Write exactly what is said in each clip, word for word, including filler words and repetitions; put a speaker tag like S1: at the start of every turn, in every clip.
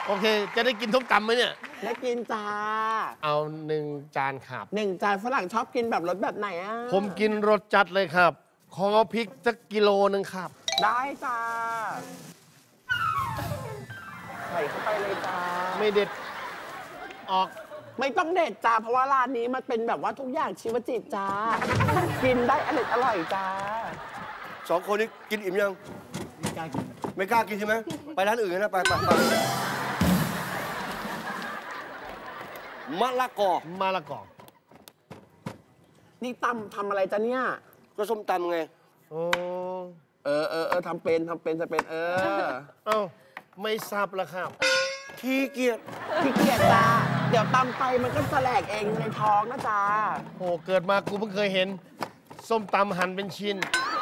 S1: โอเคจะได้กินส้มตำไหมเนี่ย
S2: ได้กินจ้า
S1: เอาหนึ่งจานครับ
S2: หนึ่งจานฝรั่งชอบกินแบบรสแบบไหนอ่ะ
S1: ผมกินรสจัดเลยครับขอพริกสักกิโลนึงครับ
S2: ได้จ้าใส่เข้าไปเลยจ้า
S1: ไม่เด็ดออก
S2: ไม่ต้องเด็ดจ้าเพราะว่าร้านนี้มันเป็นแบบว่าทุกอย่างชีวจิตจ้ากินได้อร่อยอร่อยจ้า
S3: สองคนนี้กินอิ่มยัง
S2: ไม่กล้ากิน
S3: ไม่กล้ากินใช่ไหมไปร้านอื่นนะไปไปไปมะละกอ
S1: มะละกอ
S2: นี่ตำทำอะไรจ้ะเนี่ย
S3: ก็ส้มตำไง
S1: โอ้
S2: เออเออเออทำเป็นทำเป็นจะเป็นเออ
S1: เอ้าไม่ซับละครับ
S3: ขี้เกียจ
S2: ขี้เกียจจ้าเดี๋ยวตำไปมันก็แสลกเองในท้องนะจ้า
S1: โอ้เกิดมากูเพิ่งเคยเห็นส้มตำหั่นเป็นชิ้น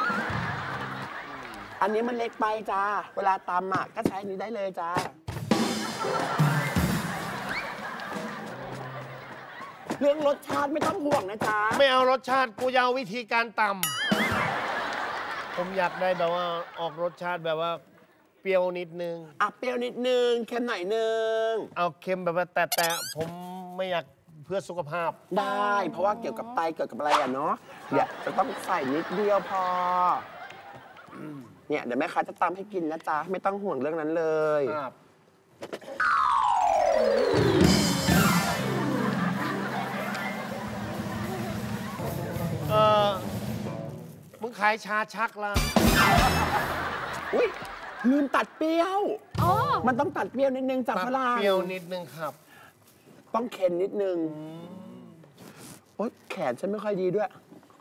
S2: อันนี้มันเล็กไปจ้าเวลาตำอ่ะก็ใช้นี้ได้เลยจ้าเรื่องรสชาติไม่ต้องห่วงนะจ๊ะ
S1: ไม่เอารสชาติกูจะเอาวิธีการตำผมอยากได้แบบว่าออกรสชาติแบบว่าเปรี้ยวนิดนึง
S2: อ่ะเปรี้ยวนิดนึงเค็มหน่อยนึง
S1: เอาเค็มแบบว่าแต่แต่ผมไม่อยากเพื่อสุขภาพ
S2: ได้เพราะว่าเกี่ยวกับไตเกี่ยวกับอะไรอ่ะเนาะเดี๋ยวจะต้องใส่นิดเดียวพอเนี่ยเดี๋ยวแม่ค้าจะตำให้กินนะจ๊ะไม่ต้องห่วงเรื่องนั้นเลยครับ
S1: เออมึงขายชาชักละ
S2: อุ้ยลืมตัดเปรี้ยวอ๋อมันต้องตัดเปรี้ยวนิดนึงจากฝรั่ง
S1: เปรี้ยวนิดนึงครับ
S2: ต้องเค็มนิดนึงโอ๊ยแขนฉันไม่ค่อยดีด้วย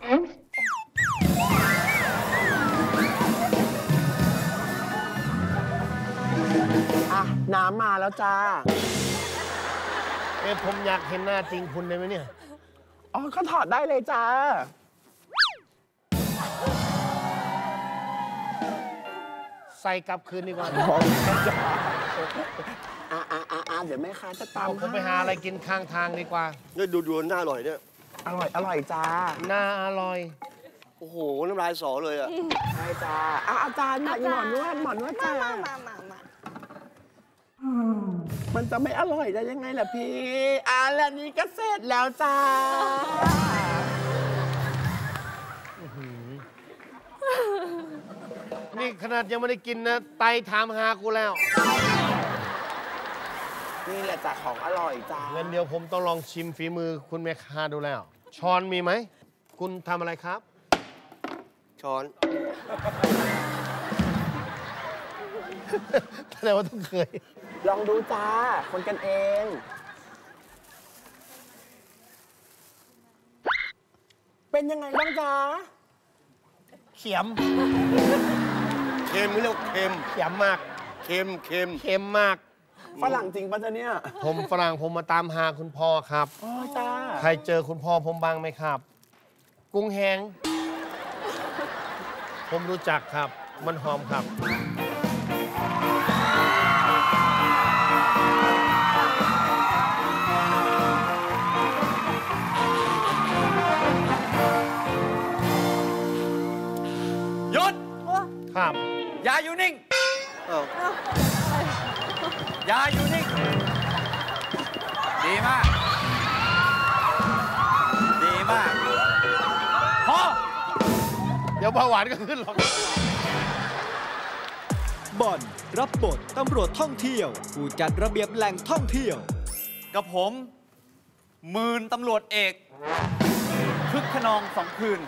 S2: อ่ะน้ำมาแล้วจ้า
S1: เอ้ผมอยากเห็นหน้าจริงคุณได้ไหมเนี่ย
S2: อ๋อก็ถอดได้เลยจ้า
S1: ใส่กลับคืนดีกว่า
S2: อ่าอ่าอ่าเดี๋ยวแม่ค้าจะตาม
S1: ผมไปหาอะไรกินข้างทางดีกว่า
S3: เนี่ยดูดูน่าอร่อยเนี่ย
S2: อร่อยอร่อยจ้า
S1: น่าอร่อย
S3: โอ้โหน้ำลายสอเลยอ่ะ
S2: ใช่จ้าอ่ะอาจารย์มาหมอนวดหมอนวดจ้ามามามามามันจะไม่อร่อยได้ยังไงล่ะพี่อ่ะแล้วนี้ก็เสร็จแล้วจ้า
S1: นี่ขนาดยังไม่ได้กินนะไตถามหากูแล้ว
S2: นี่แหละจ้าของอร่อยจ้า
S1: งั้นเดี๋ยวผมต้องลองชิมฝีมือคุณแม่ค้าดูแล้วช้อนมีไหมคุณทำอะไรครับ
S3: ช้อน
S1: แสดงว่าต้องเคย
S2: ลองดูจ้าคนกันเองเป็นยังไงบ้างจ้า
S1: เขียม
S3: เค็มเรียกเค็ม
S1: เขียมมาก
S3: เค็มเค็ม
S1: เค็มมาก
S2: ฝรั่งจริงป่ะจ๊ะเนี่ย
S1: ผมฝรั่งผมมาตามหาคุณพ่อครับ
S2: อ๋อจ้า
S1: ใครเจอคุณพ่อผมบ้างไหมครับกุ้งแห้งผมรู้จักครับมันหอมครับ
S3: หยุด
S1: ครับ
S3: อย่าอยู่นิ่งอย่าอยู่นิ่งดีมากดีมากพอ
S1: เดี๋ยวเบาหวานก็ขึ้นหรอก
S4: บอลรับบทตำรวจท่องเที่ยวผู้จัดระเบียบแหล่งท่องเที่ยว
S5: กับผมหมื่นตำรวจเอกคึกขนองสองคืน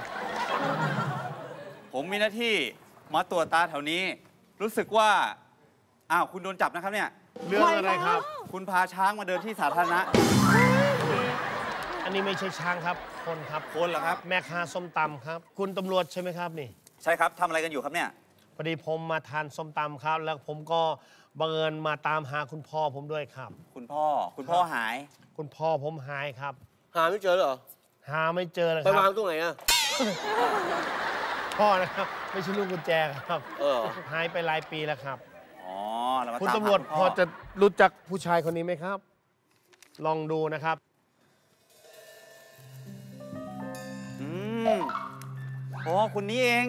S5: ผมมีหน้าที่มาตรวจตาแถวนี้รู้สึกว่าอ้าวคุณโดนจับนะครับเนี่ย
S1: เรื่องอะไรครับ
S5: คุณพาช้างมาเดินที่สาธารณะ
S1: อันนี้ไม่ใช่ช้างครับคนครับ
S5: คนเหรอครับ
S1: แม่ค้าส้มตำครับคุณตำรวจใช่ไหมครับนี่
S5: ใช่ครับทำอะไรกันอยู่ครับเนี่ย
S1: พอดีผมมาทานส้มตำครับแล้วผมก็บังเอิญมาตามหาคุณพ่อผมด้วยครับ
S5: คุณพ่อคุณพ่อหาย
S1: คุณพ่อผมหายครับ
S3: หาไม่เจอเหรอ
S1: หาไม่เจอเลยค
S3: รับไปวางตรงไหนอะ
S1: พ่อนะครับไม่ใช่ลูกกุญแจครับ
S3: เออ
S1: หายไปหลายปีแล้วครับ
S5: อ๋อ
S1: คุณตำรวจพอจะรู้จักผู้ชายคนนี้ไหมครับลองดูนะครับ
S5: อืมอ๋อคุณนี้เอง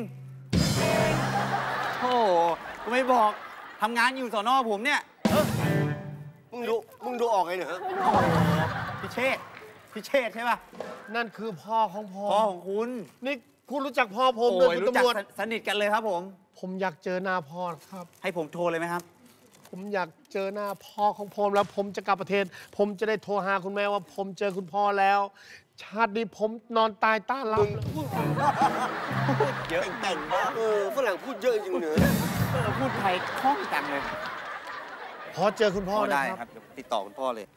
S5: โอ้ก็ไม่บอกทำงานอยู่สน.ผมเนี่ย
S3: มึงดูมึงดูออกไงเนี่ยฮะ
S5: พี่เชษฐ์พี่เชษฐ์ใช่ป่ะ
S1: นั่นคือพ่อของผม
S5: พ่อของคุณ
S1: นี่คุณรู้จักพ่อผม
S5: โอ้
S1: ด้วย
S5: ย
S1: คุณ
S5: รู้จัก
S1: ตำรวจ
S5: สสนิทกันเลยครับผม
S1: ผมอยากเจอหน้าพ่อครับ
S5: ให้ผมโทรเลยไหมครับ
S1: ผมอยากเจอหน้าพ่อของผมแล้วผมจะกลับประเทศ ผมจะได้โทรหาคุณแม่ว่า ผมเจอคุณพ่อแล้ว ชาตินี้ผมนอนตายต้านรับ
S5: เยอะ
S3: แต่งมากเออฝรั่งพูดเยอะจริงๆเนอะ
S5: เราพูดไทยคล่องจังเลย
S1: พอเจอคุณพ่อ
S5: โอ้
S1: นะ
S5: ได้
S1: ค
S5: ค
S1: รั
S5: รับ บเดี๋ยวติดต่อคุณพ่อเลย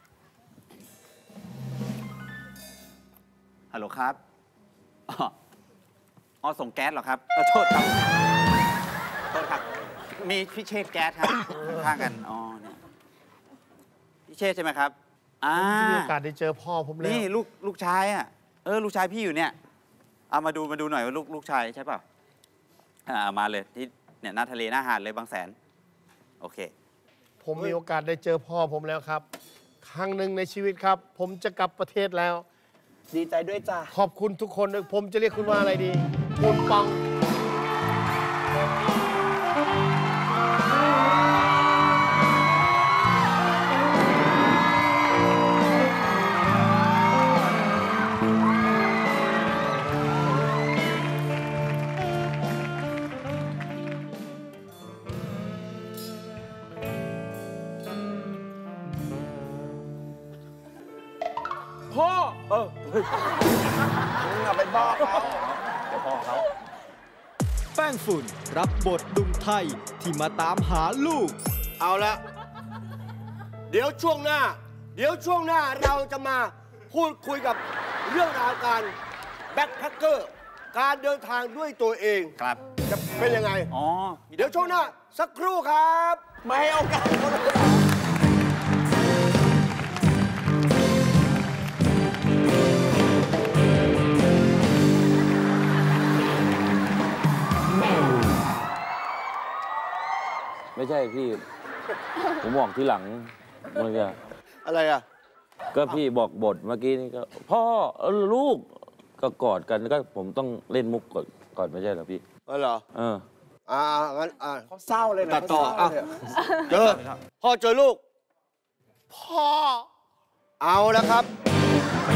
S5: ฮัลโหลครับอ๋ออ๋อส่งแก๊สเหรอครับขอโทษครับโทษครับ มีพี่เชษฐ์แก๊สครับ ข้างกัน อ๋อเนี่ยพี่เชษฐ์ใช่ไหมครับ อ่า
S1: มีโอกาสได้เจอพ่อผมแล้ว
S5: นี่ลูกลูกชายอ่ะ เออ ลูกชายพี่อยู่เนี่ย เอามาดูมาดูหน่อยว่าลูกลูกชายใช่เปล่าอ่ามาเลยที่เนี่ยหน้าทะเลหน้าหาดเลยบางแสน โอเค
S1: ผมมีโอกาสได้เจอพ่อผมแล้วครับ ครั้งหนึ่งในชีวิตครับ ผมจะกลับประเทศแล้ว
S2: ดีใจด้วยจ้า
S1: ขอบคุณทุกคนด้วยผมจะเรียกคุณว่าอะไรดี คุณปอง
S2: พ่อ เออมึงอะไปบอกเขา
S4: แป้งฝุ่นรับบทดุงไทยที่มาตามหาลูก
S3: เอาละเดี๋ยวช่วงหน้า เดี๋ยวช่วงหน้าเราจะมาพูดคุยกับเรื่องราวการแบ็คแพคเกอร์การเดินทางด้วยตัวเอง
S5: ครับ
S3: จะเป็นยังไง
S5: อ๋อ
S3: เดี๋ยวช่วงหน้า สักครู่ครับ
S2: ไม่ให้โอกาสเขาเลย
S6: ไม่ใช่พี่ ผมบอกทีหลังเมื่อกี้
S3: อะไรอ่ะ
S6: ก็พี่บอกบทเมื่อกี้นี่ก็ พ่อเออลูกก็กอดกันก็ผมต้องเล่นมุกก่อนก่อนไม่ใช่เหรอพี่
S3: เออเหรอ
S6: เออ
S3: อ่างั้นอ่า
S2: เขาเศร้าเลยนะ
S3: ตัดต่อ
S2: เขาเศร้า
S3: อ่ะ
S2: เลยอะ
S3: เจอ พ่อเจอลูก
S1: พ่อ
S3: เอาแล้วครับ